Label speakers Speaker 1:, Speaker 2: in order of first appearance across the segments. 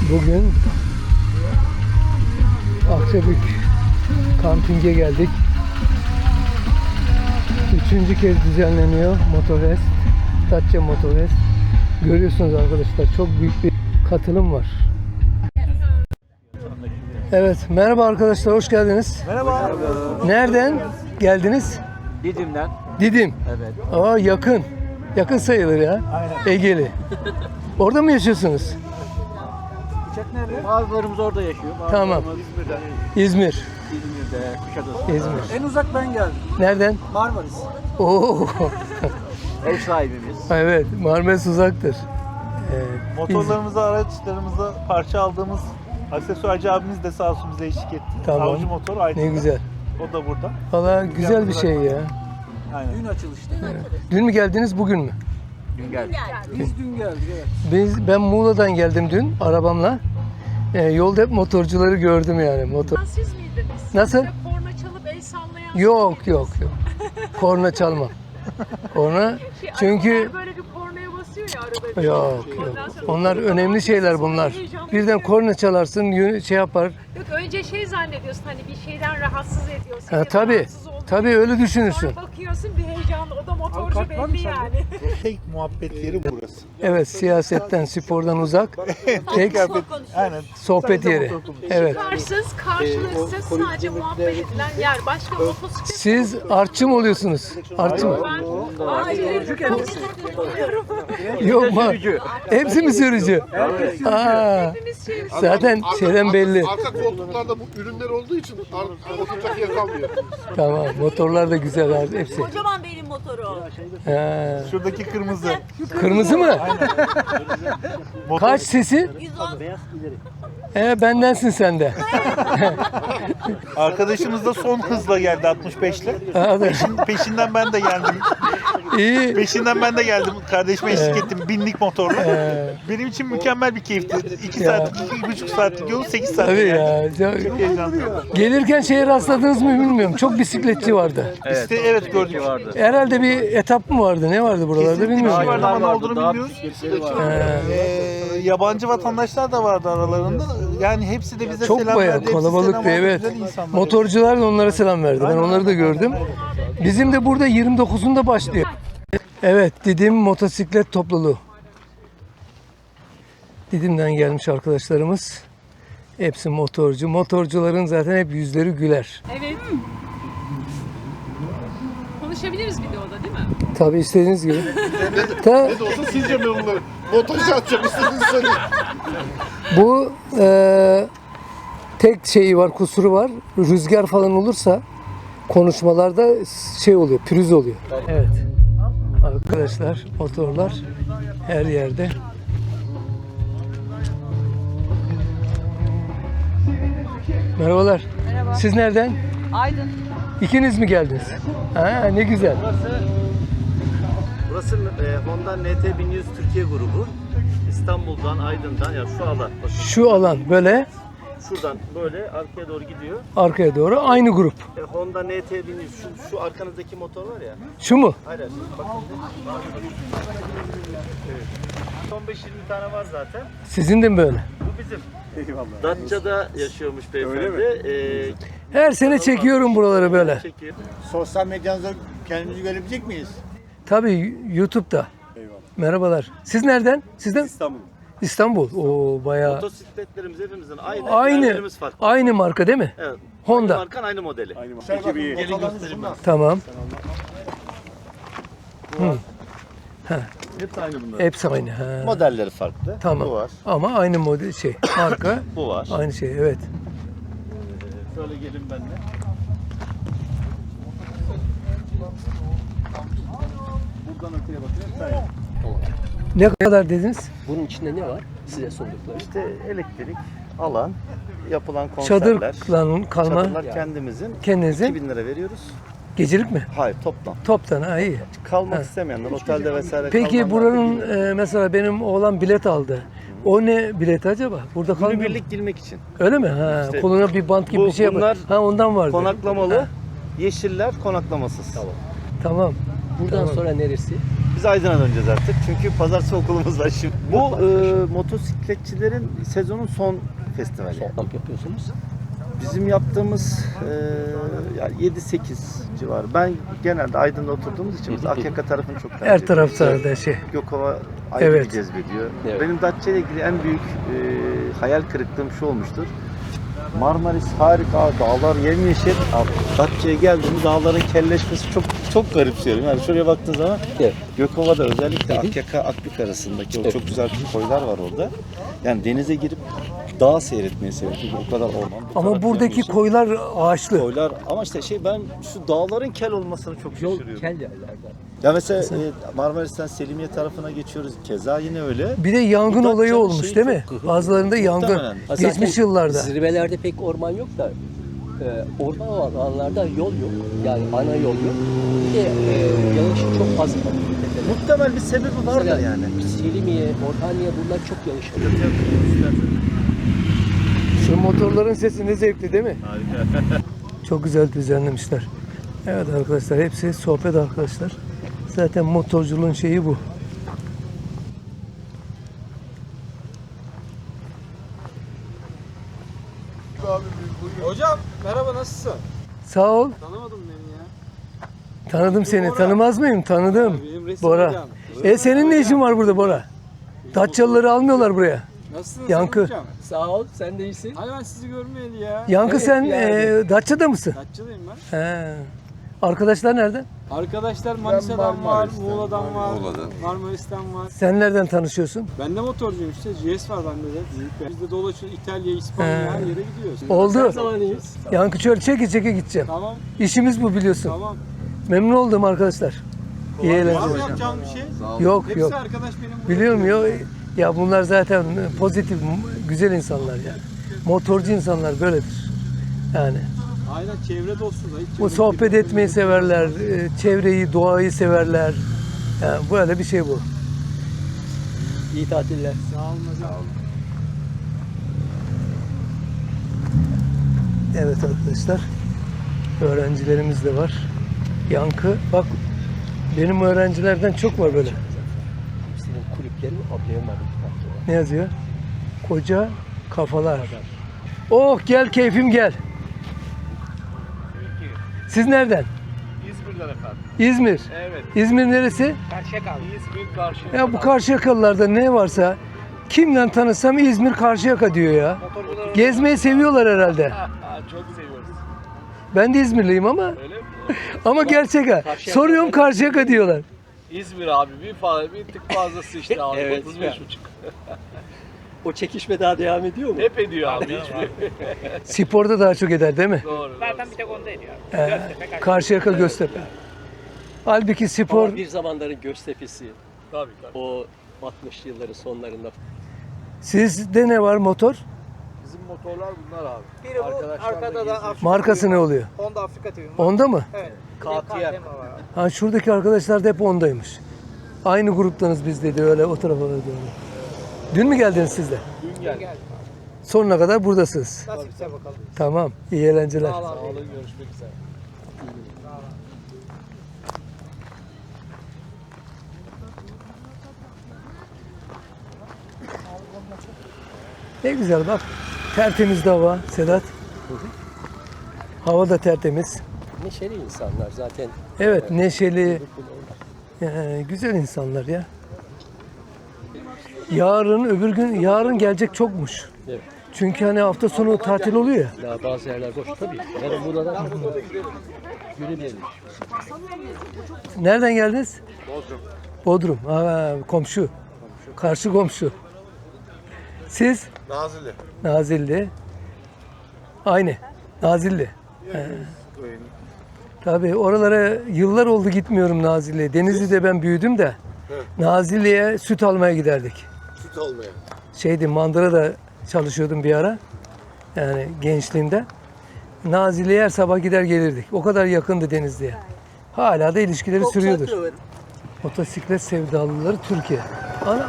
Speaker 1: Bugün Akçabük kampinge geldik. Üçüncü kez düzenleniyor Motorfest, Datça Motorfest. Görüyorsunuz arkadaşlar, çok büyük bir katılım var. Evet, merhaba arkadaşlar, hoş geldiniz.
Speaker 2: Merhaba.
Speaker 1: Nereden geldiniz?
Speaker 2: Didim'den.
Speaker 1: Didim.
Speaker 2: Evet.
Speaker 1: Aa, yakın. Yakın sayılır ya.
Speaker 2: Aynen.
Speaker 1: Egeli. Orada mı yaşıyorsunuz?
Speaker 2: Uçak nerede? Bazılarımız orada yaşıyor.
Speaker 1: Tamam.
Speaker 2: İzmir'de.
Speaker 1: İzmir.
Speaker 2: İzmir'de, Kuşadası.
Speaker 1: İzmir.
Speaker 2: En uzak ben geldim.
Speaker 1: Nereden?
Speaker 2: Marmaris.
Speaker 1: Oo.
Speaker 2: Ev sahibimiz.
Speaker 1: Evet, Marmaris uzaktır.
Speaker 3: Motorlarımıza, araçlarımıza parça aldığımız aksesuarcı abimiz de sağ olsun bize eşlik etti.
Speaker 1: Tamam.
Speaker 3: Avcı Motor Aydın.
Speaker 1: Ne güzel.
Speaker 3: O da burada.
Speaker 1: Valla güzel bir şey ya.
Speaker 3: Aynen.
Speaker 2: Dün açılışta.
Speaker 1: Dün mü geldiniz, bugün mü?
Speaker 2: Dün geldik. Biz dün geldik, evet.
Speaker 1: Ben Muğla'dan geldim dün arabamla. Yolda hep motorcuları gördüm yani.
Speaker 4: Siz miydiniz?
Speaker 1: Nasıl?
Speaker 4: Size korna çalıp el sallayan.
Speaker 1: Yok. Korna çalmam. Korna çünkü
Speaker 4: arabalar böyle bir kornaya basıyor ya arada.
Speaker 1: yok.
Speaker 4: Ondan sonra
Speaker 1: Onlar önemli şeyler bunlar. Birden korna çalarsın, şey yapar.
Speaker 4: Yok, önce şey zannediyorsun, hani bir şeyden rahatsız ediyorsun.
Speaker 1: Ha, tabii. Tabii öyle düşünürsün.
Speaker 4: Sonra bakıyorsun bir heyecanlı, o da motorcu belli yani.
Speaker 3: Tek muhabbet yeri burası.
Speaker 1: Evet, siyasetten, spordan uzak. Tek
Speaker 3: Aynen.
Speaker 1: sohbet yeri. Evet.
Speaker 4: Çıkarsız, karşılıksız sadece muhabbet edilen yer. Başka motosiklet.
Speaker 1: Siz artçı mı oluyorsunuz? Artçı mı?
Speaker 4: Ben hayır, kendisi kullanıyorum.
Speaker 1: Yok mu? Hepsi mi sürücü? Aa,
Speaker 4: Hepimiz şey.
Speaker 1: zaten şeyden belli.
Speaker 5: Arka koltuklarda bu ürünler olduğu için oturacak yer kalmıyor.
Speaker 1: Tamam, motorlar da güzel abi, hepsi.
Speaker 6: Kocaman benim motoru.
Speaker 1: Ha.
Speaker 3: Şuradaki kırmızı.
Speaker 1: Kırmızı mı?
Speaker 3: Motor.
Speaker 1: Kaç sesi?
Speaker 6: 110.
Speaker 1: Bendensin sen de.
Speaker 3: Arkadaşımız da son hızla geldi 65 ile.
Speaker 1: Hadi.
Speaker 3: Peşinden ben de geldim.
Speaker 1: İyi.
Speaker 3: Peşinden ben de geldim. Kardeşime eşlik ettim. Binlik motorla. Benim için mükemmel bir keyifti. 2 saatlik, 2,5 saatlik yol 8 saat.
Speaker 1: Tabii ya.
Speaker 3: Çok heyecanlı.
Speaker 1: Gelirken şeye rastladınız mı bilmiyorum. Çok bisikletçi vardı.
Speaker 3: İşte evet gördük.
Speaker 1: Herhalde bir etap mı vardı? Ne vardı buralarda
Speaker 3: Kesinlikle
Speaker 1: bilmiyorum.
Speaker 3: bir şey vardı ama ne olduğunu
Speaker 2: Daha
Speaker 3: bilmiyoruz.
Speaker 2: bisikletleri
Speaker 3: Yabancı vatandaşlar da vardı aralarında. Yani hepsi de bize
Speaker 1: Çok
Speaker 3: selam
Speaker 1: bayağı
Speaker 3: verdi. Hepsi
Speaker 1: kalabalıktı,
Speaker 3: selam aldı.
Speaker 1: evet.
Speaker 3: Güzel insanlar.
Speaker 1: Motorcular da onlara selam verdi. Ben onları da gördüm. Bizim de burada 29'unda başlıyor. Evet, Didim motosiklet topluluğu. Didim'den gelmiş arkadaşlarımız. Hepsi motorcu. Motorcuların zaten hep yüzleri güler.
Speaker 4: Evet. Konuşabiliriz videoda değil mi?
Speaker 1: Tabii istediğiniz gibi. Ta,
Speaker 5: Ne de olsa sizce ben onları montaj atacağım istediğiniz söyleyin.
Speaker 1: bu tek şeyi var, kusuru var. Rüzgar falan olursa konuşmalarda şey oluyor, pürüz oluyor. Evet. Arkadaşlar, motorlar her yerde. Merhabalar.
Speaker 6: Merhaba.
Speaker 1: Siz nereden?
Speaker 6: Aydın.
Speaker 1: İkiniz mi geldiniz? Ha, ne güzel.
Speaker 7: Burası Honda NT 1100 Türkiye grubu. İstanbul'dan, Aydın'dan, yani şu alan, bakın
Speaker 1: Şu alan böyle
Speaker 7: şuradan böyle arkaya doğru gidiyor.
Speaker 1: arkaya doğru aynı grup.
Speaker 7: Honda NT 1100, şu arkanızdaki motor var ya,
Speaker 1: Şu mu?
Speaker 7: aynen bakın. Evet. 15-20 tane var zaten.
Speaker 1: Sizin de mi böyle?
Speaker 7: Bu bizim. Datça'da yaşıyormuş beyefendi.
Speaker 1: Her sene çekiyorum buraları böyle.
Speaker 7: Çekiyor.
Speaker 2: Sosyal medyanızda kendimizi görebilecek miyiz?
Speaker 1: Tabii YouTube'da. Merhabalar. Siz nereden? Sizden?
Speaker 7: İstanbul.
Speaker 1: İstanbul. Oo, bayağı.
Speaker 7: Motosikletlerimiz hepimizin aynı.
Speaker 1: Aynı.
Speaker 7: yerlerimiz farklı.
Speaker 1: Aynı marka değil mi?
Speaker 7: Evet.
Speaker 1: Honda.
Speaker 7: Aynı markan aynı modeli. Aynı
Speaker 2: Gelin göstereyim ben.
Speaker 1: Tamam.
Speaker 7: Hepsi aynı bunlar.
Speaker 1: Hepsi aynı. Ha.
Speaker 7: Modelleri farklı.
Speaker 1: Tamam.
Speaker 7: Bu var.
Speaker 1: Ama aynı model marka.
Speaker 7: Bu var.
Speaker 1: Aynı şey, evet.
Speaker 7: Şöyle gelin benimle. Buradan öteye bakın.
Speaker 1: Ne kadar dediniz?
Speaker 8: Bunun içinde ne var size sundukları?
Speaker 7: İşte elektrik, alan, yapılan konserler.
Speaker 1: Çadırla kalma.
Speaker 7: Çadırlar kendimizin.
Speaker 1: Kendinizin.
Speaker 7: 2000 lira veriyoruz.
Speaker 1: Gecelik mi?
Speaker 7: Hayır toplam.
Speaker 1: Toptan, ha, iyi.
Speaker 7: Kalmak istemeyenler otelde vesaire
Speaker 1: Peki
Speaker 7: kalmanlar
Speaker 1: buranın
Speaker 7: 1000 lira.
Speaker 1: mesela benim oğlan bilet aldı. O ne bileti acaba? Burada kalmıyor mu?
Speaker 7: Günübirlik girmek için.
Speaker 1: Öyle mi? Ha,
Speaker 7: İşte
Speaker 1: koluna bir bant gibi
Speaker 7: bu-
Speaker 1: bir şey yapar.
Speaker 7: bunlar
Speaker 1: Ha, ondan vardı.
Speaker 7: Konaklamalı,
Speaker 1: Ha,
Speaker 7: yeşiller konaklamasız.
Speaker 1: tamam.
Speaker 8: Buradan
Speaker 1: Tamam.
Speaker 8: sonra neresi?
Speaker 7: Biz Biz Aydın'a döneceğiz artık. Çünkü pazartesi okulumuz var şimdi. Bu motosikletçilerin sezonun son festivali.
Speaker 8: Son kamp yapıyorsunuz.
Speaker 7: Bizim yaptığımız yani 7-8 civarı. Ben genelde Aydın'da oturduğumuz için biz Akyaka tarafını çok tercih
Speaker 1: Her
Speaker 7: ediyoruz.
Speaker 1: tarafta da şey.
Speaker 7: Gökova ayrı
Speaker 1: Evet.
Speaker 7: bir cezbediyor.
Speaker 8: Evet.
Speaker 7: Benim Datça ile ilgili en büyük hayal kırıklığım şu olmuştur. Marmaris harika, dağlar yemyeşil. Datça'ya geldiğimde dağların kelleşmesi çok garipsiyorum. Yani şuraya baktığın zaman
Speaker 8: Evet.
Speaker 7: Gökova'da özellikle Akyaka Akbük arasındaki o çok güzel koylar var orada. Yani denize girip dağ seyretmeyi seviyorum. Çünkü bu kadar orman. bu
Speaker 1: Ama
Speaker 7: kadar
Speaker 1: buradaki
Speaker 7: yemyeşil.
Speaker 1: koylar ağaçlı.
Speaker 7: Koylar ama işte ben şu dağların kel olmasını çok
Speaker 8: Yol
Speaker 7: şaşırıyorum.
Speaker 8: kel yerlerden.
Speaker 7: Ya mesela Marmaris'ten Selimiye tarafına geçiyoruz. Keza yine öyle.
Speaker 1: Bir de yangın
Speaker 7: Bu
Speaker 1: olayı
Speaker 7: Datça'nın
Speaker 1: olmuş
Speaker 7: şeyi
Speaker 1: değil mi?
Speaker 7: çok-
Speaker 1: Bazılarında yangın.
Speaker 7: Muhtemelen.
Speaker 1: Geçmiş
Speaker 8: Zaten
Speaker 1: yıllarda.
Speaker 8: Zirvelerde pek orman yok da orman olan alanlarda yol yok. Yani ana yol yok. Bir de yağışı çok fazla.
Speaker 7: Muhtemel bir sebebi vardır
Speaker 8: Mesela
Speaker 7: yani.
Speaker 8: Selimiye, Orhaniye bunlar çok yağış alıyor.
Speaker 1: Şu motorların sesi ne zevkli değil mi?
Speaker 7: Harika.
Speaker 1: Çok güzel düzenlemişler. Evet arkadaşlar, hepsi sohbet arkadaşlar. Zaten motorculuğun şeyi bu.
Speaker 2: Hocam merhaba nasılsın?
Speaker 1: Sağ ol.
Speaker 2: Tanımadın beni ya.
Speaker 1: Tanıdım seni.
Speaker 2: Bora.
Speaker 1: Tanımaz mıyım? Tanıdım.
Speaker 2: Benim resim
Speaker 1: Bora.
Speaker 2: hocam.
Speaker 1: Senin ne işin var burada Bora? Datçalıları almıyorlar buraya.
Speaker 2: Nasılsınız
Speaker 1: Yankı.
Speaker 2: hocam?
Speaker 8: Sağ ol, sen de iyisin.
Speaker 2: Hayır ben sizi görmeyeli ya.
Speaker 1: Yankı
Speaker 8: Evet,
Speaker 1: sen
Speaker 8: yani.
Speaker 1: Datça'da mısın?
Speaker 2: Kaççıdayım ben.
Speaker 1: He. Arkadaşlar nerede?
Speaker 2: Arkadaşlar Manisa'dan var, Muğla'dan var, Marmaris'ten var.
Speaker 1: Sen nereden tanışıyorsun?
Speaker 2: Ben de motorcuyum işte. GS var bende de. Büyük. Biz de dolaşıyoruz. İtalya, İspanya
Speaker 1: He.
Speaker 2: her yere gidiyoruz.
Speaker 1: Oldu.
Speaker 8: Zaman iyiyiz.
Speaker 1: Yankı şöyle çeke gideceğim.
Speaker 2: Tamam,
Speaker 1: İşimiz bu biliyorsun.
Speaker 2: tamam.
Speaker 1: Memnun oldum arkadaşlar. İyi
Speaker 2: Var mı
Speaker 1: eğlenceler.
Speaker 2: yapacağım bir şey?
Speaker 1: Yok
Speaker 2: Hepsi
Speaker 1: yok.
Speaker 2: arkadaş benim. burada.
Speaker 1: Biliyorum ya. Ya bunlar zaten pozitif, güzel insanlar ya. Motorcu insanlar böyledir. Yani
Speaker 2: Aynen çevre dostu da. Hiç
Speaker 1: bu sohbet etmeyi severler, çevreyi, doğayı severler. Yani böyle bir şey bu.
Speaker 8: İyi tatiller.
Speaker 2: Sağ olun hocam.
Speaker 1: Evet arkadaşlar, öğrencilerimiz de var. Yankı, bak benim öğrencilerden çok var böyle.
Speaker 8: Senin kulüplerini atlayamadım.
Speaker 1: Ne yazıyor? Koca kafalar. Oh gel keyfim gel. Siz nereden?
Speaker 3: İzmir'den efendim.
Speaker 1: İzmir.
Speaker 3: Evet.
Speaker 1: İzmir neresi?
Speaker 3: İzmir Karşıyaka.
Speaker 1: Ya bu Karşıyakalılarda ne varsa kimden tanısam İzmir Karşıyaka diyor ya. Gezmeyi seviyorlar herhalde.
Speaker 3: Çok seviyoruz.
Speaker 1: Ben de İzmirliyim ama
Speaker 3: Öyle mi?
Speaker 1: ama gerçek ha. Soruyorum Karşıyaka diyorlar.
Speaker 3: İzmir abi bir tık fazlası işte abi.
Speaker 8: Evet.
Speaker 3: 35,5.
Speaker 8: O çekişme daha devam ediyor mu?
Speaker 3: Hep ediyor abi. Hiçbir.
Speaker 1: Sporda daha çok eder değil mi?
Speaker 3: Doğru.
Speaker 4: Zaten bir tek onda ediyor.
Speaker 1: Karşıyaka Göztepe. Halbuki spor
Speaker 8: Ama bir zamanların Göztepe'si.
Speaker 3: Tabii.
Speaker 8: O 60'lı yılların sonlarında.
Speaker 1: sizde ne var motor?
Speaker 3: Bizim motorlar bunlar abi.
Speaker 2: Biri bu, arkada da
Speaker 1: Markası ne oluyor?
Speaker 2: Honda Afrika TV.
Speaker 1: Onda mı?
Speaker 2: Evet.
Speaker 3: KTM.
Speaker 1: Ha şuradaki arkadaşlar da hep ondaymış. Aynı gruptanız biz dedi öyle o tarafa doğru. Dün mü geldiniz siz de?
Speaker 3: Dün geldi.
Speaker 1: Sonuna kadar buradasınız.
Speaker 2: Nasipse bakalım.
Speaker 1: Tamam. İyi eğlenceler.
Speaker 3: Sağ olun, görüşmek üzere.
Speaker 1: Ne güzel bak. Tertemiz de hava Sedat. Hava da tertemiz.
Speaker 8: Neşeli insanlar zaten.
Speaker 1: Evet neşeli. Güzel insanlar ya. Yarın gelecek çokmuş.
Speaker 8: Evet.
Speaker 1: Çünkü hani hafta sonu tatil oluyor ya.
Speaker 8: Daha bazı yerler boş tabii. Yarın burada da yürümeyelim.
Speaker 1: Nereden geldiniz? Bodrum. Komşu. Karşı komşu. Siz?
Speaker 5: Nazilli.
Speaker 1: Nazilli. Aynı. Nazilli. Tabii oralara yıllar oldu gitmiyorum Nazilli'ye. Denizli'de ben büyüdüm de. Nazilli'ye süt almaya giderdik.
Speaker 5: Süt almaya.
Speaker 1: Mandıra'da çalışıyordum bir ara. Yani gençliğimde. Nazilli'ye her sabah gider gelirdik. O kadar yakındı Denizli'ye. Hala da ilişkileri sürüyordur. Motosiklet sevdalıları Türkiye. Ana.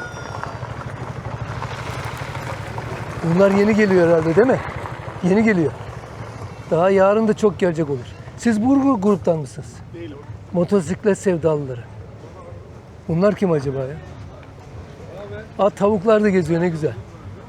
Speaker 1: Bunlar yeni geliyor herhalde değil mi? Yeni geliyor. Daha yarın da çok gelecek olur. Siz bu gruptan mısınız?
Speaker 5: Değilim.
Speaker 1: Motosiklet sevdalıları. Bunlar kim acaba ya? Aa, tavuklar da geziyor, ne güzel.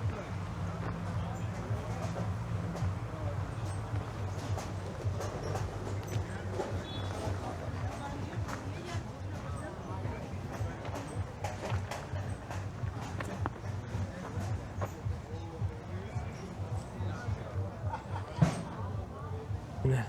Speaker 1: Ne?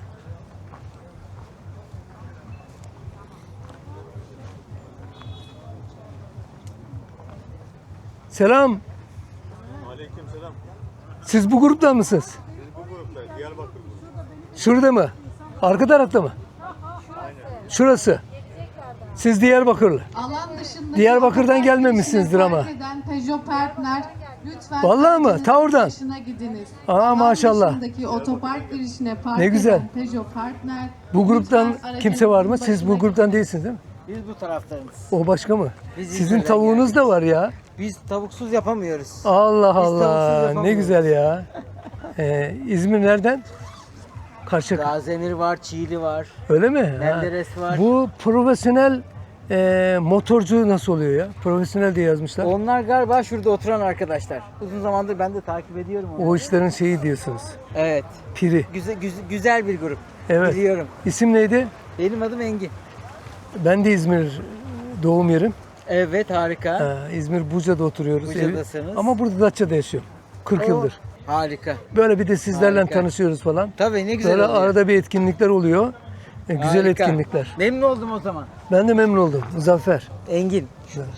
Speaker 1: Selam.
Speaker 5: Aleykümselam.
Speaker 1: Siz bu gruptan mısınız?
Speaker 5: Biz bu gruptayız. Diyarbakır.
Speaker 1: Şurada mı? Arka tarafta mı? Şurası. Siz Diyarbakırlı.
Speaker 9: Alan dışındaki
Speaker 1: Diyarbakır'dan
Speaker 9: otopark
Speaker 1: gelmemişsinizdir
Speaker 9: girişine
Speaker 1: ama.
Speaker 9: park eden Peugeot Partner, lütfen
Speaker 1: Vallahi mi?
Speaker 9: aracınızın
Speaker 1: Ta oradan.
Speaker 9: dışına gidiniz.
Speaker 1: Aa,
Speaker 9: Alan
Speaker 1: maşallah.
Speaker 9: dışındaki otopark girişine park
Speaker 1: Ne güzel.
Speaker 9: eden Peugeot Partner,
Speaker 1: Bu gruptan
Speaker 9: lütfen
Speaker 1: kimse var mı?
Speaker 9: aracınızın
Speaker 1: Siz bu
Speaker 9: başına
Speaker 1: gruptan değilsiniz değil mi?
Speaker 2: Biz bu taraftarız.
Speaker 1: O başka mı?
Speaker 2: Biz
Speaker 1: Sizin
Speaker 2: İzmir'den
Speaker 1: tavuğunuz da var ya.
Speaker 2: Biz tavuksuz yapamıyoruz.
Speaker 1: Allah
Speaker 2: tavuksuz
Speaker 1: Allah. Ne
Speaker 2: yapamıyoruz.
Speaker 1: güzel ya. İzmir nereden? Karşıyaka.
Speaker 2: Gazemir var, Çiğli var.
Speaker 1: Öyle mi? Ha.
Speaker 2: Menderes var.
Speaker 1: Bu profesyonel motorcu nasıl oluyor ya? Profesyonel diye yazmışlar.
Speaker 2: Onlar galiba şurada oturan arkadaşlar. Uzun zamandır ben de takip ediyorum onları.
Speaker 1: O işlerin şeyi diyorsunuz.
Speaker 2: Evet.
Speaker 1: Piri.
Speaker 2: Güzel bir grup.
Speaker 1: Evet.
Speaker 2: Biliyorum.
Speaker 1: İsim neydi?
Speaker 2: Benim adım Engin.
Speaker 1: Ben de İzmir doğum yerim.
Speaker 2: Evet, harika.
Speaker 1: İzmir Buca'da oturuyoruz.
Speaker 2: Buca'dasınız.
Speaker 1: Ama burada Datça'da yaşıyorum. 40 yıldır.
Speaker 2: Harika.
Speaker 1: Böyle bir de sizlerle
Speaker 2: Harika.
Speaker 1: tanışıyoruz falan.
Speaker 2: Tabii, ne güzel
Speaker 1: Böyle
Speaker 2: oluyor.
Speaker 1: arada bir etkinlikler oluyor. Güzel
Speaker 2: Harika.
Speaker 1: etkinlikler.
Speaker 2: Memnun oldum o zaman.
Speaker 1: Ben de memnun oldum. Muzaffer.
Speaker 2: Engin.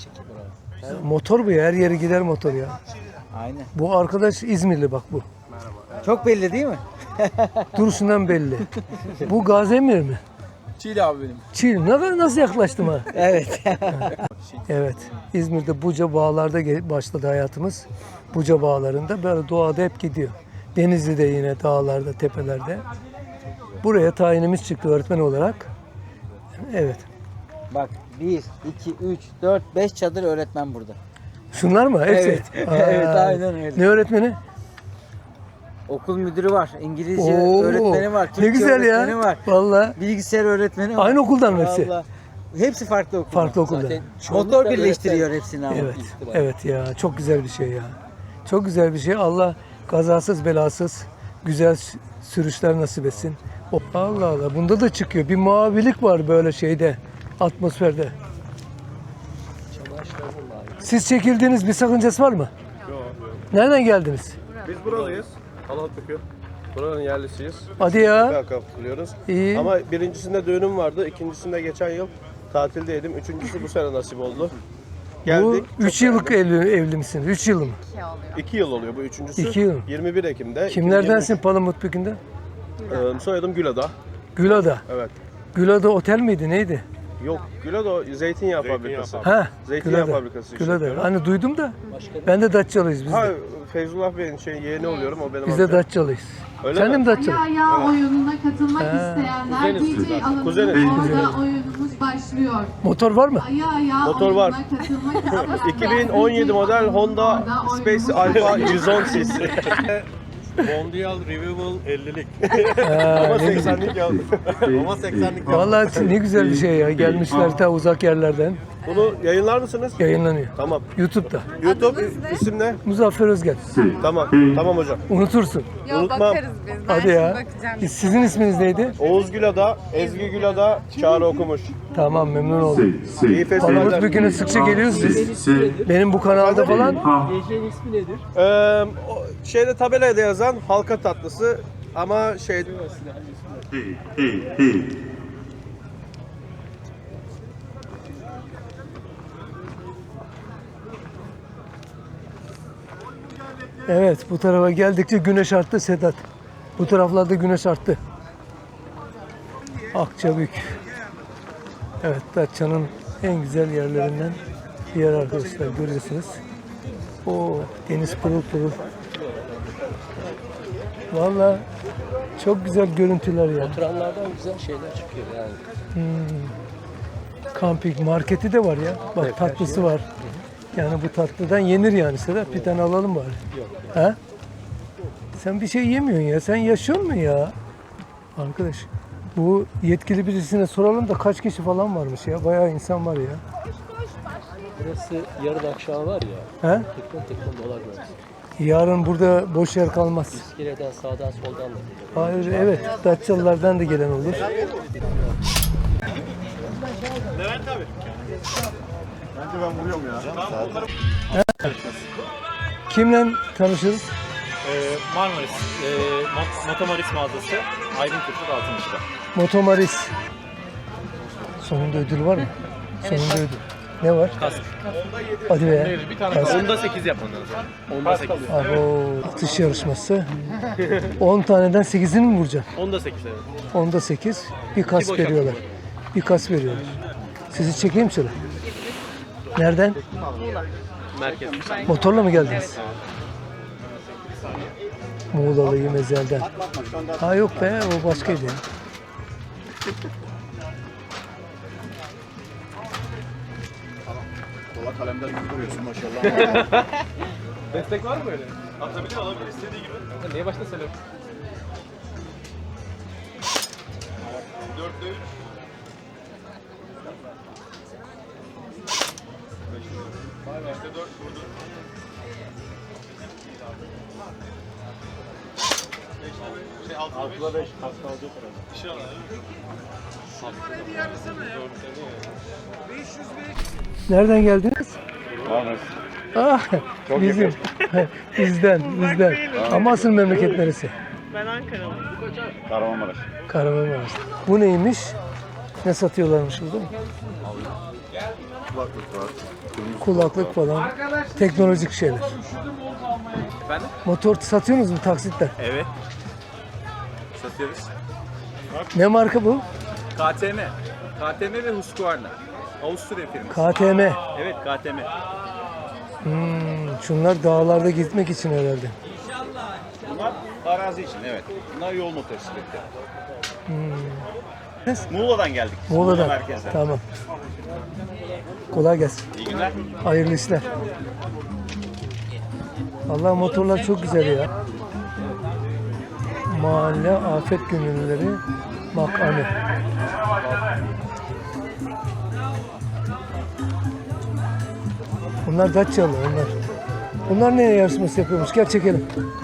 Speaker 1: Motor bu ya. Her yere gider motor ya.
Speaker 2: Aynen.
Speaker 1: Bu arkadaş İzmirli bak bu.
Speaker 2: Çok belli değil mi?
Speaker 1: Duruşundan belli. Bu Gazemir mi?
Speaker 2: Çiğli abi benim.
Speaker 1: Çiğ. Nasıl yaklaştım ha?
Speaker 2: Evet.
Speaker 1: Evet. İzmir'de Buca Bağlar'da başladı hayatımız. Buca Bağları'nda böyle doğada hep gidiyor. Denizli'de yine dağlarda, tepelerde. Buraya tayinimiz çıktı öğretmen olarak. Evet.
Speaker 2: Bak 1, 2, 3, 4, 5 çadır öğretmen burada.
Speaker 1: Şunlar mı? Hepsi.
Speaker 2: Evet. Evet, aynen öyle.
Speaker 1: Ne öğretmeni?
Speaker 2: Okul müdürü var, İngilizce
Speaker 1: Oo,
Speaker 2: öğretmeni var, Türkçe
Speaker 1: ne güzel
Speaker 2: öğretmeni
Speaker 1: ya.
Speaker 2: var,
Speaker 1: Vallahi
Speaker 2: bilgisayar öğretmeni var.
Speaker 1: aynı okuldan mı hepsi?
Speaker 2: Vallahi. Hepsi farklı okul.
Speaker 1: Farklı okulda.
Speaker 2: Motor birleştiriyor hepsini ama.
Speaker 1: Evet. Evet ya. Çok güzel bir şey ya. Çok güzel bir şey. Allah kazasız belasız güzel sürüşler nasip etsin. Allah Allah. Bunda da çıkıyor. Bir mavilik var böyle şeyde. Atmosferde. Siz çekildiğiniz bir sakıncası var mı?
Speaker 5: Yok.
Speaker 1: Nereden geldiniz?
Speaker 5: Biz buralıyız. Halatbükü. Buranın yerlisiyiz.
Speaker 1: Hadi ya.
Speaker 5: Katılıyoruz.
Speaker 1: İyi.
Speaker 5: Ama birincisinde düğünüm vardı. İkincisinde geçen yıl tatildeydim. Üçüncüsü bu sene nasip oldu.
Speaker 1: Bu
Speaker 5: Geldik.
Speaker 1: 3 yıllık evli misiniz? 3 yıl mı?
Speaker 5: 2 yıl oluyor bu üçüncüsü.
Speaker 1: 2 yıl.
Speaker 5: 21 Ekim'de.
Speaker 1: Kimlerdensin Palamut Bükü'nde?
Speaker 5: Soyadım Gülada.
Speaker 1: Gülada.
Speaker 5: Evet.
Speaker 1: Gülada otel miydi? Neydi?
Speaker 5: Yok Gülada zeytinyağı fabrikası.
Speaker 1: Ha.
Speaker 5: Zeytinyağı
Speaker 1: Gülada.
Speaker 5: fabrikası
Speaker 1: Gülada.
Speaker 5: işletiyorum.
Speaker 1: Hani duydum da. Ben de Datçalıyız biz
Speaker 5: Ha
Speaker 1: de.
Speaker 5: Feyzullah Bey'in yeğeni oluyorum o benim
Speaker 1: Biz de
Speaker 5: amcam.
Speaker 1: Datçalıyız.
Speaker 5: Öyle
Speaker 1: Sen de
Speaker 5: mi?
Speaker 1: mi Datçalı?
Speaker 9: Ayağa oyununa katılmak isteyenler
Speaker 5: Kuzeniz
Speaker 9: DJ alanında
Speaker 5: Kuzeniz.
Speaker 9: orada oyunumuz başlıyor.
Speaker 1: Motor var mı?
Speaker 9: Ayağa
Speaker 5: Motor var.
Speaker 9: oyununa katılmak isteyenler
Speaker 5: 2017 model Honda
Speaker 9: orada
Speaker 5: Space
Speaker 9: oyunumuz
Speaker 5: Alpha 110 cc.
Speaker 10: Mondial Revival 50'lik.
Speaker 5: Ama 80'lik ya.
Speaker 10: Ama 80'lik.
Speaker 1: Vallahi ne güzel bir şey ya. Gelmişler ta uzak yerlerden.
Speaker 5: Bunu yayınlar mısınız?
Speaker 1: Yayınlanıyor.
Speaker 5: Tamam.
Speaker 1: YouTube'da.
Speaker 5: YouTube isim ne?
Speaker 1: Muzaffer Özgen.
Speaker 5: Tamam. Tamam hocam.
Speaker 1: Unutursun.
Speaker 5: Unutmam.
Speaker 4: Bakarız biz. Ben
Speaker 1: Hadi
Speaker 4: şimdi
Speaker 1: ya.
Speaker 4: bakacağım.
Speaker 1: Sizin isminiz neydi?
Speaker 5: Oğuz Gülada, Ezgi Gülada, Çağrı Okumuş.
Speaker 1: Tamam, memnun oldum.
Speaker 5: İyi
Speaker 1: Palamut
Speaker 5: festivaller.
Speaker 1: Bükü'ne sıkça geliyorsunuz. Benim bu kanalda falan.
Speaker 8: Gecenin ismi nedir?
Speaker 5: Şeyde tabelada yazan halka tatlısı ama şey
Speaker 1: Evet, bu tarafa geldikçe güneş arttı Sedat. Bu taraflarda güneş arttı. Akçabük. Evet, Datça'nın en güzel yerlerinden bir yer arkadaşlar, görüyorsunuz. O deniz pırıl pırıl. Vallahi çok güzel görüntüler ya.
Speaker 8: Oturanlardan güzel şeyler çıkıyor yani.
Speaker 1: Kamping marketi de var ya. Bak tatlısı var. Yani bu tatlıdan yenir yani Sedat. Bir tane alalım bari. Yok. Ha? Sen bir şey yemiyorsun ya. Sen yaşıyor musun ya? Arkadaş, bu yetkili birisine soralım da kaç kişi falan varmış ya. Bayağı insan var ya.
Speaker 8: Burası yarın akşam var ya.
Speaker 1: He?
Speaker 8: Tekrar dolar görürüz.
Speaker 1: Yarın burada boş yer kalmaz.
Speaker 8: İskeleden sağdan soldan da geliyor.
Speaker 1: Hayır, evet. Datçalılardan da gelen olur.
Speaker 10: Bence ben vuruyorum ya.
Speaker 1: Kimle tanışırız?
Speaker 3: Marmaris, Motomaris mağazası Aydın Kırklık Altınış'ta.
Speaker 1: Motomaris. Sonunda ödül var mı? Sonunda ödül. Ne var?
Speaker 3: Kask.
Speaker 1: Hadi be. Kask.
Speaker 3: Onda 8 yapman lazım. Onda 8.
Speaker 1: Abo, atış yarışması. 10 taneden 8'ini mi vuracaksın?
Speaker 3: Onda 8 evet.
Speaker 1: Onda 8. Bir kas veriyorlar. Bir kas veriyorlar. Sizi çekeyim şöyle. Nereden?
Speaker 3: Merkez.
Speaker 1: Motorla mı geldiniz? Muğla'lıyım ezelden. Ha yok be, o başkaydı.
Speaker 10: Kola kalemler gibi duruyorsun maşallah.
Speaker 3: Destek var mı böyle? Atabilir, alabilir istediği gibi. Niye başta söyle? 4'te 3. 5'te 4 vurdu. 6'da 5 kas kalacak herhalde. İnşallah.
Speaker 1: Nereden geldiniz? Ah, bizim. bizden. Ama asıl memleket neresi?
Speaker 10: Kahramanmaraş.
Speaker 1: Kahramanmaraş. Bu neymiş? Ne satıyorlarmış burada?
Speaker 10: Kulaklık var.
Speaker 1: Kulaklık falan. Teknolojik şeyler.
Speaker 3: Efendim?
Speaker 1: Motor satıyorsunuz mu taksitten?
Speaker 3: Evet. Satıyoruz.
Speaker 1: Ne marka bu?
Speaker 3: KTM. KTM ve Husqvarna. Avusturya firması.
Speaker 1: KTM.
Speaker 3: Evet KTM.
Speaker 1: Şunlar dağlarda gitmek için herhalde.
Speaker 7: Bunlar arazi için evet. Bunlar yol motosikletleri.
Speaker 1: Hmm.
Speaker 7: Muğla'dan geldik.
Speaker 1: Muğla'dan.
Speaker 7: merkezden.
Speaker 1: Tamam. Kolay gelsin.
Speaker 7: İyi günler.
Speaker 1: Hayırlı işler. Vallahi motorlar çok güzel ya. Mahalle afet gönüllüleri makamı. Bunlar Datçalı onlar. Bunlar ne yarışması yapıyormuş? Gel çekelim.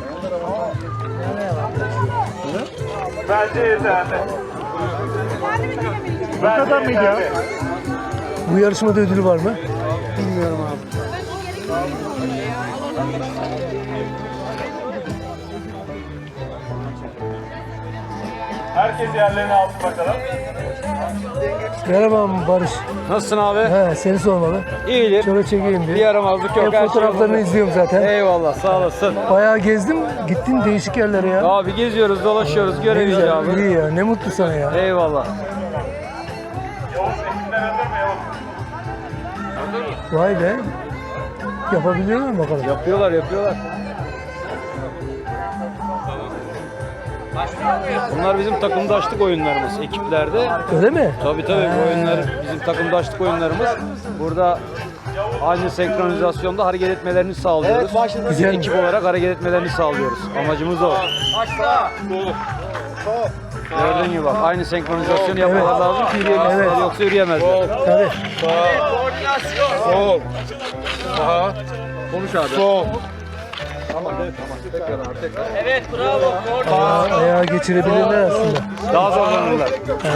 Speaker 3: Bu kadar mıydı ya?
Speaker 1: Bu yarışmada ödülü var mı?
Speaker 2: Bilmiyorum abi.
Speaker 3: Herkes yerlerini alsın bakalım.
Speaker 1: Merhaba Barış.
Speaker 2: Nasılsın abi?
Speaker 1: He, seni sormalı.
Speaker 2: İyidir.
Speaker 1: Şöyle çekeyim bir.
Speaker 2: Bir yaramazlık yok. Her şey
Speaker 1: Fotoğraflarını
Speaker 2: yolunda.
Speaker 1: izliyorum zaten.
Speaker 2: Eyvallah sağ olasın.
Speaker 1: Bayağı gezdim. Gittin değişik yerlere ya.
Speaker 2: Abi geziyoruz, dolaşıyoruz,
Speaker 1: Ne
Speaker 2: görev
Speaker 1: güzel,
Speaker 2: icabı.
Speaker 1: iyi ya. Ne mutlu sana ya.
Speaker 2: Eyvallah.
Speaker 1: Vay be. Yapabiliyorlar mı bakalım?
Speaker 2: Yapıyorlar. Bunlar bizim takımdaşlık oyunlarımız ekiplerde.
Speaker 1: Öyle mi?
Speaker 2: Tabii bu oyunlar bizim takımdaşlık oyunlarımız. Burada aynı senkronizasyonda hareket etmelerini sağlıyoruz. Biz
Speaker 1: Güzel.
Speaker 2: ekip olarak hareket etmelerini sağlıyoruz. Amacımız o. Gördüğün gibi bak aynı senkronizasyonu yapmaları lazım ki yürüyebilsinler
Speaker 1: Evet.
Speaker 2: yoksa yürüyemezler.
Speaker 1: Tabii.
Speaker 10: Sol. Sağa.
Speaker 2: Konuş abi.
Speaker 10: Sol.
Speaker 1: Ayağı geçirebilirler aslında.
Speaker 2: Daha zorlanırlar.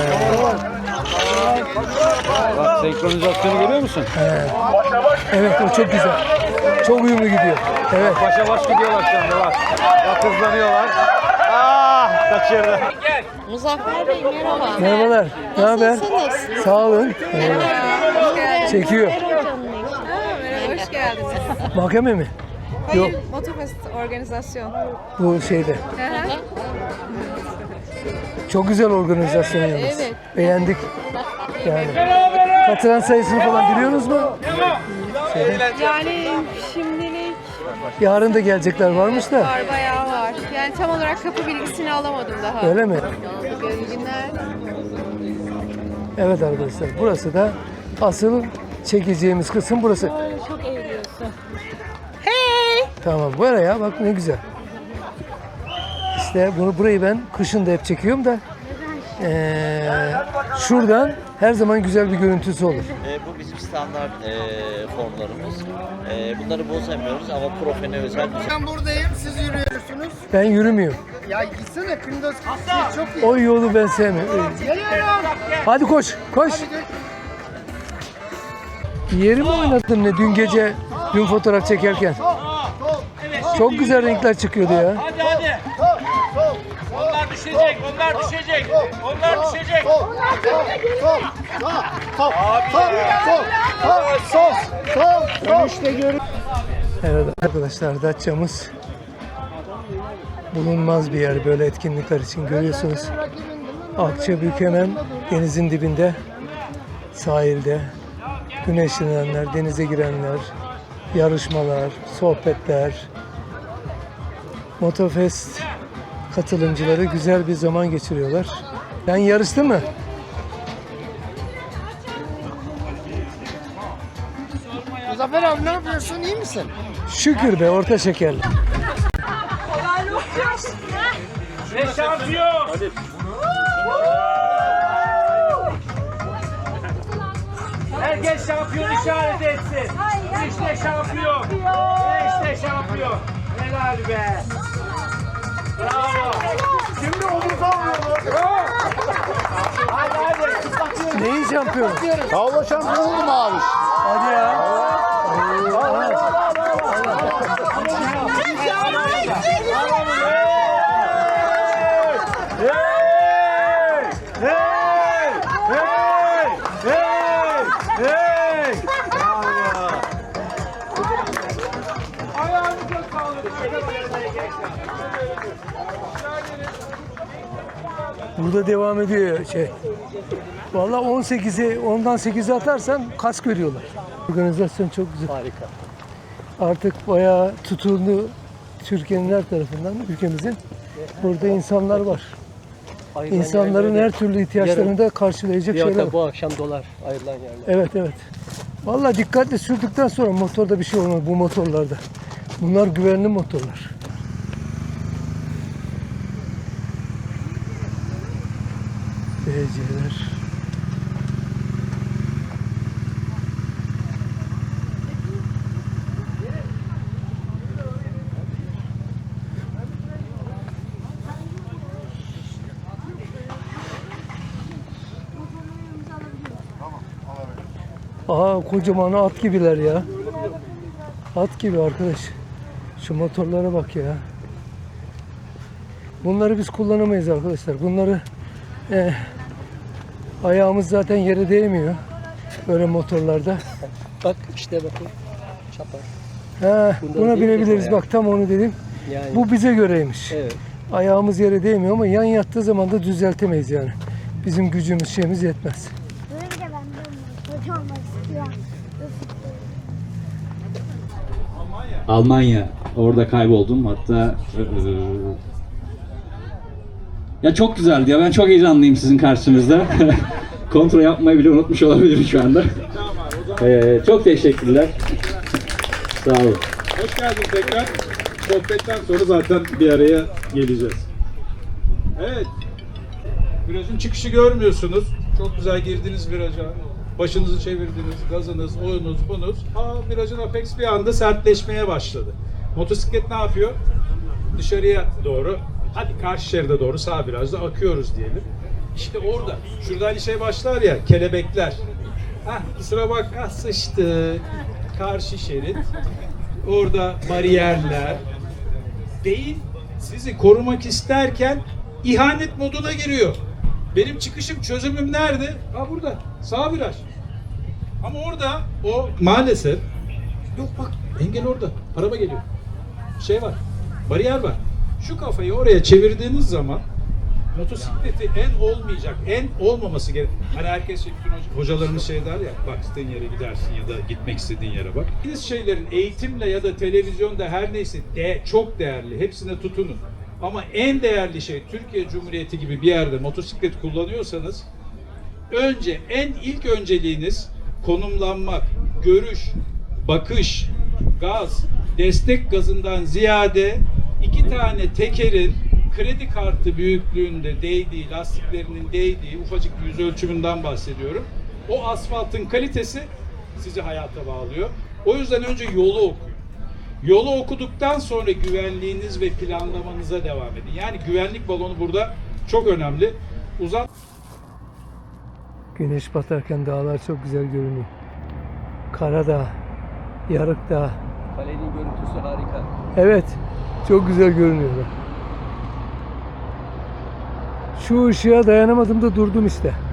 Speaker 2: Bak senkronizasyonu görüyor musun?
Speaker 1: Evet, o çok güzel. Çok uyumlu gidiyor. Evet.
Speaker 2: Başa baş gidiyorlar şu anda bak. Bak hızlanıyorlar. Ah kaçırdı.
Speaker 4: Muzaffer Bey merhaba.
Speaker 1: Merhabalar. Ne haber?
Speaker 4: Nasılsınız?
Speaker 1: Sağ olun. Çekiyor.
Speaker 4: Merhaba, hoş geldiniz.
Speaker 1: Mahkeme mi? Yok,
Speaker 4: Motofest organizasyon.
Speaker 1: bu şeyde. Çok güzel organizasyon yalnız.
Speaker 4: Evet.
Speaker 1: Beğendik. Yani. Katılan sayısını falan biliyorsunuz mu?
Speaker 4: Yani şimdilik
Speaker 1: Yarın da gelecekler varmış da.
Speaker 4: var, bayağı var. Yani tam olarak kapı bilgisini alamadım daha.
Speaker 1: Öyle mi?
Speaker 4: İyi günler.
Speaker 1: Evet arkadaşlar, burası da asıl çekeceğimiz kısım burası.
Speaker 4: Çok eğiliyorsun.
Speaker 1: Tamam, böyle ya bak ne güzel. İşte burayı ben kışın da hep çekiyorum da şuradan her zaman güzel bir görüntüsü olur.
Speaker 7: Bu bizim standart formlarımız. Bunları bozamıyoruz ama profene özel bir
Speaker 11: Ben buradayım, siz yürüyorsunuz.
Speaker 1: Ben yürümüyorum.
Speaker 11: Ya gitsene Kındos, çok iyi.
Speaker 1: O yolu ben sevmiyorum.
Speaker 11: Geliyorum.
Speaker 1: Hadi koş, koş. Yeri mi oynadın ne dün fotoğraf çekerken? Çok güzel renkler çıkıyordu ya.
Speaker 3: Hadi hadi. Onlar düşecek, onlar düşecek. Onlar düşecek.
Speaker 1: Evet arkadaşlar, Datça'mız bulunmaz bir yer böyle etkinlikler için, görüyorsunuz. Akçabük hemen denizin dibinde, sahilde. Güneşlenenler, denize girenler, yarışmalar, sohbetler. Motorfest katılımcıları güzel bir zaman geçiriyorlar. Sen yarıştın mı?
Speaker 11: Muzaffer abi ne yapıyorsun, iyi misin?
Speaker 1: Şükür be, orta şekerli.
Speaker 3: Ve şampiyon. Herkes şampiyon işaret etsin. İşte şampiyon. İşte şampiyon. Helal be. Bravo. Şimdi omuz almıyorlar. Hadi hadi.
Speaker 1: Neyin şampiyonu?
Speaker 10: Tavla şampiyonu oldum abi.
Speaker 1: Hadi ya. Burada devam ediyor şey. Vallahi 10'dan 8'e atarsan kask veriyorlar. Organizasyon çok güzel.
Speaker 8: Harika.
Speaker 1: Artık bayağı tutuldu Türkiye'nin her tarafından, ülkemizin. Burada insanlar var.
Speaker 8: Ayrılan
Speaker 1: İnsanların
Speaker 8: yerlerde
Speaker 1: her türlü ihtiyaçlarını da karşılayacak
Speaker 8: bir
Speaker 1: şeyler
Speaker 8: hafta
Speaker 1: var.
Speaker 8: bu akşam dolar ayrılan yerler.
Speaker 1: Evet evet. Vallahi dikkatli sürdükten sonra motorda bir şey olmaz bu motorlarda. Bunlar güvenli motorlar. DC'ler. Aha, kocaman at gibiler ya. At gibi arkadaş. Şu motorlara bak ya. Bunları biz kullanamayız arkadaşlar. Bunları ayağımız zaten yere değmiyor. Böyle motorlarda.
Speaker 8: Bak işte bakın. Çapar.
Speaker 1: Buna binebiliriz. Bak tam onu dedim.
Speaker 8: Yani,
Speaker 1: Bu bize göreymiş.
Speaker 8: evet.
Speaker 1: Ayağımız yere değmiyor ama yan yattığı zaman da düzeltemeyiz yani. Bizim gücümüz şeyimiz yetmez.
Speaker 9: Böyle ben de hoca olmak istiyorum.
Speaker 12: Almanya. Orada kayboldum. Hatta ya çok güzeldi ya. Ben çok heyecanlıyım sizin karşınızda. Kontrol yapmayı bile unutmuş olabilirim şu anda. Çok teşekkürler. Sağ olun.
Speaker 10: Hoş geldin tekrar. Sohbetten sonra zaten bir araya geleceğiz. Evet. Virajın çıkışı görmüyorsunuz. Çok güzel girdiniz viraja. Başınızı çevirdiniz, gazınız, oyunuz, bunuz. Virajın apex bir anda sertleşmeye başladı. Motosiklet ne yapıyor? Dışarıya doğru, hadi karşı şeride doğru sağ virajda akıyoruz diyelim. İşte orada, şurada hani şey başlar ya, kelebekler. Kusura bak, sıçtı. Karşı şerit. Orada bariyerler. Beyin sizi korumak isterken ihanet moduna giriyor. Benim çıkışım, çözümüm nerede? Burada. Sağ viraj. Ama orada o maalesef yok, bak engel orada. Araba geliyor. Şey var. Bariyer var. Şu kafayı oraya çevirdiğiniz zaman motosikleti en olmaması gerek. Hani herkes bütün hocalarımız şey der ya, bak istediğin yere gidersin ya da gitmek istediğin yere bak. Biz şeylerin eğitimle ya da televizyonda her neyse çok değerli. Hepsine tutunun. Ama en değerli şey, Türkiye Cumhuriyeti gibi bir yerde motosiklet kullanıyorsanız ilk önceliğiniz konumlanmak, görüş, bakış, gaz, destek gazından ziyade iki tane tekerin kredi kartı büyüklüğünde değdiği, lastiklerinin değdiği ufacık bir yüz ölçümünden bahsediyorum. O asfaltın kalitesi sizi hayata bağlıyor. O yüzden önce yolu okuyun. Yolu okuduktan sonra güvenliğiniz ve planlamanıza devam edin. Yani güvenlik balonu burada çok önemli.
Speaker 1: Güneş batarken dağlar çok güzel görünüyor. Karadağ, Yarıkdağ.
Speaker 8: Kalenin görüntüsü harika.
Speaker 1: Evet, çok güzel görünüyor. Şu ışığa dayanamadım da durdum işte.